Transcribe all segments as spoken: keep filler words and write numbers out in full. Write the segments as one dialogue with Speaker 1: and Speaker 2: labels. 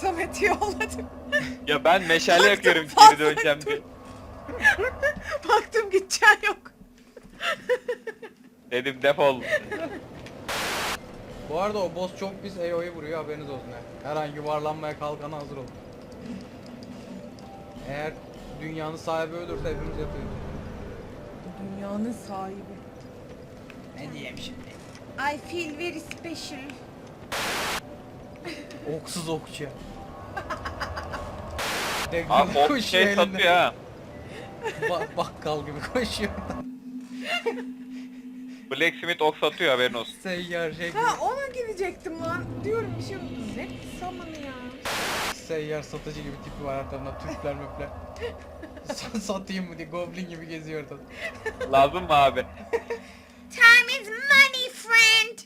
Speaker 1: Samet'i yolladım.
Speaker 2: Ya ben meşale yakıyorum
Speaker 1: fazla
Speaker 2: geri döneceğim diye.
Speaker 1: Baktım gideceğin yok.
Speaker 2: Dedim defol.
Speaker 3: Bu arada o boss çok pis A O'yu vuruyor, haberiniz olsun yani. Her an yuvarlanmaya kalkana hazır olun. Eğer dünyanın sahibi ölürse hepimiz yatıyoruz.
Speaker 1: Dünyanın sahibi.
Speaker 3: Ne diyeyim şimdi?
Speaker 1: I feel very special.
Speaker 3: Oksuz okçu.
Speaker 2: Abi o şey satıyor ha.
Speaker 3: Ba bakkal gibi koşuyor.
Speaker 2: Blacksmith ok satıyor, haberin olsun.
Speaker 3: Seyyar şey gibi.
Speaker 1: Ha ona gidecektim lan. Diyorum bir şey unuttum. Ne samanı ya.
Speaker 3: Seyyar satıcı gibi tipi var arkamda, Türkler möpler. Sa- Satayım mı diye goblin gibi geziyor ortada.
Speaker 2: Lazım mı abi?
Speaker 1: Time is money friend.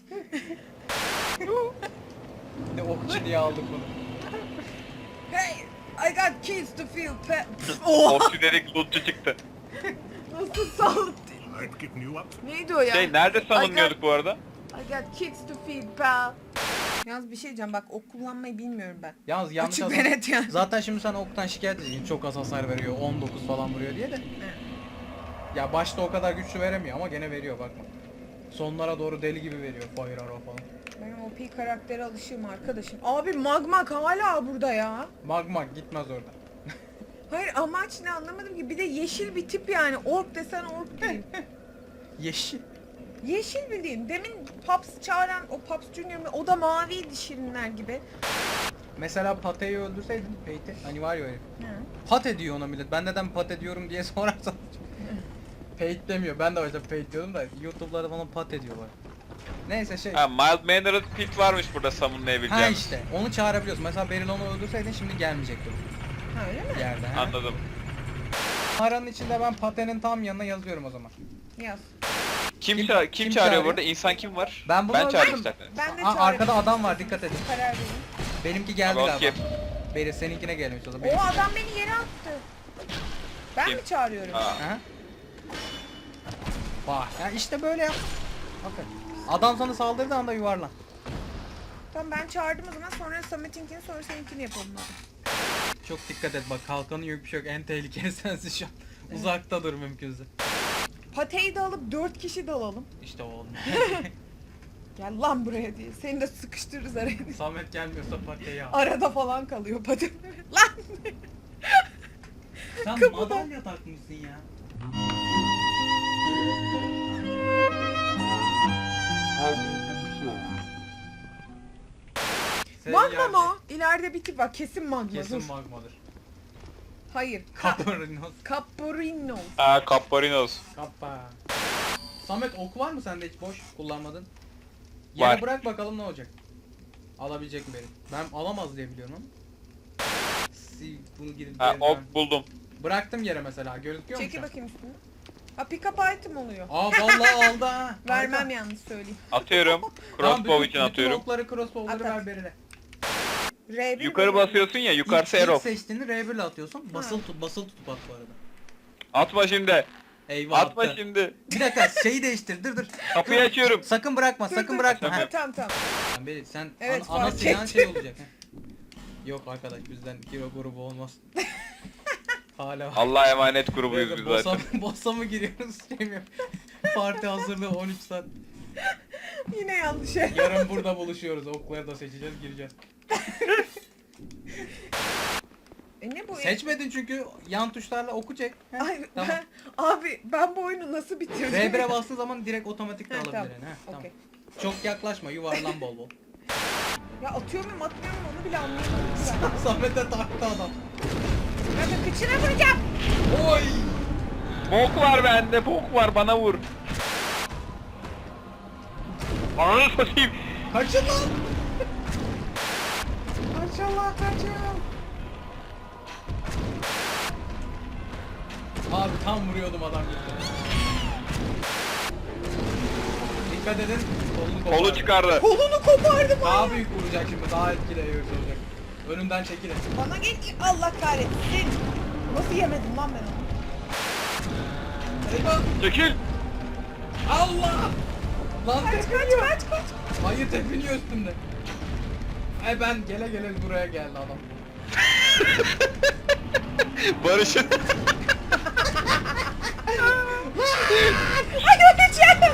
Speaker 3: Ne okçu diye aldık bunu.
Speaker 1: Hey, I got kids to feel pet. Oha.
Speaker 2: Okçu dedik lootçu çıktı.
Speaker 1: Nasıl saldı?
Speaker 4: I've given you up.
Speaker 1: Neydi o ya?
Speaker 2: Şey nerede savunuyorduk bu arada?
Speaker 1: I got kids to feed pal. Yalnız bir şey diyeceğim, bak ok kullanmayı bilmiyorum ben.
Speaker 3: Yalnız yanlış
Speaker 1: Açık
Speaker 3: adam.
Speaker 1: ve net yani.
Speaker 3: Zaten şimdi sen oktan şikayet edeceksin. Çok az hasar veriyor. on dokuz falan vuruyor diye de. Ya başta o kadar güçlü veremiyor ama gene veriyor, bakma. Sonlara doğru deli gibi veriyor Fire Arrow falan.
Speaker 1: Benim O P karaktere alışığım arkadaşım. Abi Magmak hala burada ya.
Speaker 3: Magma gitmez orada.
Speaker 1: Hayır, amaç ne anlamadım ki. Bir de yeşil bir tip yani. Ork desen ork değil.
Speaker 3: Yeşil.
Speaker 1: Yeşil bildiğin. Demin Paps çağıran o Paps Junior mu? O da maviydi şirinler gibi.
Speaker 3: Mesela Pate'yi öldürseydin Peyte. Hani var ya öyle.
Speaker 1: Hı.
Speaker 3: Pate diyor ona millet. Ben neden Pate diyorum diye sorarsan. Peyte demiyor. Ben de başta Peyte diyordum da YouTube'larda falan Pate diyorlar. Neyse şey.
Speaker 2: Ha, mild mannered pit varmış burada
Speaker 3: Ha
Speaker 2: summonlayabileceğim.
Speaker 3: işte. Onu çağırabiliyorsun. Mesela Beryl onu öldürseydin şimdi gelmeyecekti
Speaker 1: Ha, öyle mi?
Speaker 3: bu yerde. Ha.
Speaker 2: Anladım.
Speaker 3: Mağaranın içinde ben Pate'nin tam yanına yazıyorum o zaman.
Speaker 1: Yaz.
Speaker 2: Kim,
Speaker 3: Kim-
Speaker 2: ça- kim,
Speaker 3: kim
Speaker 2: çağırıyor
Speaker 3: çağırıyor?
Speaker 2: burada? İnsan kim var?
Speaker 3: Ben bunu
Speaker 2: ben çağırayım
Speaker 3: öldürdüm.
Speaker 2: istersen.
Speaker 1: Ben de
Speaker 3: Aa,
Speaker 1: çağırayım.
Speaker 3: arkada adam var, dikkat edin.
Speaker 1: Karar verin.
Speaker 3: Benimki geldi
Speaker 2: Abi,
Speaker 3: galiba.
Speaker 2: okey.
Speaker 3: Beryl seninkine gelmiş o zaman.
Speaker 1: O
Speaker 3: Benimki-
Speaker 1: adam beni yere attı. Ben
Speaker 2: Kim?
Speaker 1: mi çağırıyorum?
Speaker 2: Ha.
Speaker 3: Aha. Bak ya işte böyle yap. Bakın. Adam sana saldırdığı anda yuvarlan.
Speaker 1: Tamam, ben çağırdım o zaman, sonra Samet'inkini, sonra seninkini yapalım hadi.
Speaker 3: Çok dikkat et bak, kalkanı yok, bir şey yok. En tehlikeli sensin şu an. Uzakta dur mümkünse.
Speaker 1: Pateyi de alıp dört kişi de alalım.
Speaker 3: İşte o olmuyor.
Speaker 1: Gel lan buraya diye. Seni de sıkıştırırız araya.
Speaker 3: Samet gelmiyorsa patiyi al.
Speaker 1: Arada falan kalıyor pate. Lan!
Speaker 3: Sen
Speaker 1: kapıda.
Speaker 3: madalya takmışsın ya.
Speaker 1: Magma mı o? İleride bir tip var. Kesin magma.
Speaker 3: Kesin
Speaker 1: Dur.
Speaker 3: magmadır.
Speaker 1: Hayır. Ka
Speaker 3: Kaparinos.
Speaker 1: Caporinos.
Speaker 2: Ha, Capparinos.
Speaker 3: Kappa. Samet ok var mı sende, hiç boş kullanmadın? Yere
Speaker 2: Var.
Speaker 3: bırak bakalım ne olacak. Alabilecek mi benim? Ben alamaz diye biliyorum ama. Si bunu gidip
Speaker 2: Ha,
Speaker 3: yerinden-
Speaker 2: ok buldum.
Speaker 3: Bıraktım yere mesela, gözüküyor mu
Speaker 1: Çekil
Speaker 3: şu an?
Speaker 1: bakayım üstüne. Ha, pick up item oluyor.
Speaker 3: Aa vallahi aldı ha.
Speaker 1: Vermem
Speaker 3: Harika.
Speaker 1: yalnız söyleyeyim.
Speaker 2: Atıyorum.
Speaker 3: Tamam,
Speaker 2: Crossbow
Speaker 3: bütün-
Speaker 2: için atıyorum.
Speaker 3: Bütün okları crossbow'ları
Speaker 1: At, at.
Speaker 3: ver Beril'e.
Speaker 1: R bir
Speaker 2: Yukarı
Speaker 1: mi?
Speaker 2: basıyorsun ya, yukarısı
Speaker 3: İlk- ilk
Speaker 2: arrow.
Speaker 3: seçtiğini R bir ile atıyorsun. Basılı tut, basılı tutup at bu arada.
Speaker 2: Atma şimdi.
Speaker 3: Eyvah
Speaker 2: Atma
Speaker 3: attı.
Speaker 2: şimdi.
Speaker 3: Bir dakika şeyi değiştir, dur dur.
Speaker 2: Kapıyı açıyorum.
Speaker 3: Sakın bırakma,
Speaker 1: Dur,
Speaker 3: sakın
Speaker 1: dur.
Speaker 3: bırakma.
Speaker 1: Ha,
Speaker 3: Ha.
Speaker 1: tamam tamam.
Speaker 3: Beril sen
Speaker 1: Evet,
Speaker 3: ana, ana
Speaker 1: fark
Speaker 3: silahın
Speaker 1: ettim.
Speaker 3: şey olacak. Ha. Yok arkadaş, bizden kilo grubu olmaz. Hala var.
Speaker 2: Allah'a emanet grubuyuz
Speaker 3: Neyse,
Speaker 2: biz
Speaker 3: bossa,
Speaker 2: zaten.
Speaker 3: bossa mı giriyoruz şey mi? Parti hazırlığı on üç saat.
Speaker 1: Yine yanlış şey.
Speaker 3: Yarın burada buluşuyoruz. Okları da seçeceğiz, gireceğiz.
Speaker 1: E ne bu?
Speaker 3: Seçmedin çünkü yan tuşlarla oku çek. Heh,
Speaker 1: Ay,
Speaker 3: tamam.
Speaker 1: ben, abi ben bu oyunu nasıl bitirdim?
Speaker 3: R bir'e bastığın zaman direkt otomatik de
Speaker 1: Ha,
Speaker 3: alabilir.
Speaker 1: tamam.
Speaker 3: yani, ha, tamam.
Speaker 1: Okey.
Speaker 3: Çok yaklaşma, yuvarlan bol bol.
Speaker 1: Ya atıyor muyum atmıyor muyum onu bile anlayamadım ben.
Speaker 3: Samet'e taktı adam.
Speaker 1: Ben de kıçına vuracağım.
Speaker 3: Oy!
Speaker 2: Bok var bende, bok var, bana vur. Ananı satayım.
Speaker 3: Kaçın lan!
Speaker 1: Maşallah kaçıyorum.
Speaker 3: Abi tam vuruyordum adam gitti. Dikkat edin. Kolunu
Speaker 2: Kolu
Speaker 3: kopardı.
Speaker 2: çıkardı.
Speaker 1: Kolunu kopardım
Speaker 3: Daha
Speaker 1: abi.
Speaker 3: büyük vuracak şimdi. Daha etkili eğiyoruz olacak. Önümden çekilin.
Speaker 1: Bana gel Allah kahretsin. Nasıl yemedim lan ben onu?
Speaker 3: Eyvah!
Speaker 2: Çekil.
Speaker 3: Allah! Lan
Speaker 1: Kaç kaç
Speaker 3: tepiniyor.
Speaker 1: kaç kaç.
Speaker 3: Hayır, tepiniyor üstümde. Ay ben gele gele buraya geldi adam.
Speaker 2: Barış'ın
Speaker 1: Ay öleceğim.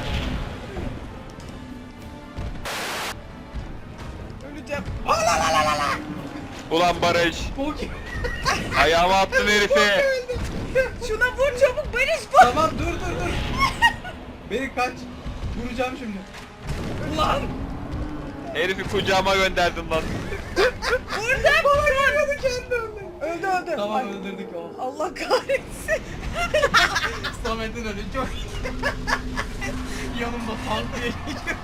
Speaker 1: Öleceğim. Ala la la la la.
Speaker 2: ulan Barış.
Speaker 3: Bok.
Speaker 2: Ayağıma attın herifi.
Speaker 1: Şuna vur çabuk Barış bu.
Speaker 3: Tamam dur dur dur. Beni kaç. Vuracağım şimdi.
Speaker 1: Ulan.
Speaker 2: Herifi kucağıma gönderdin lan.
Speaker 1: Burada bana geliyordu kendi öldü. Öldü öldü.
Speaker 3: Tamam
Speaker 1: Ay,
Speaker 3: öldürdük o.
Speaker 1: Allah kahretsin.
Speaker 3: Samet'in ölü çok yanımda tank diye geçiyor.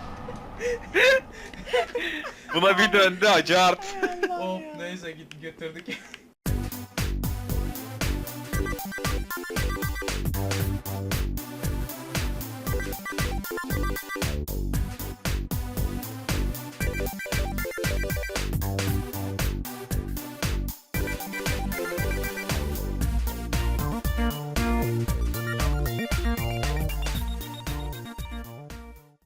Speaker 2: Buna bir döndü acı art.
Speaker 1: Allah
Speaker 3: Hop
Speaker 1: ya.
Speaker 3: neyse git götürdük.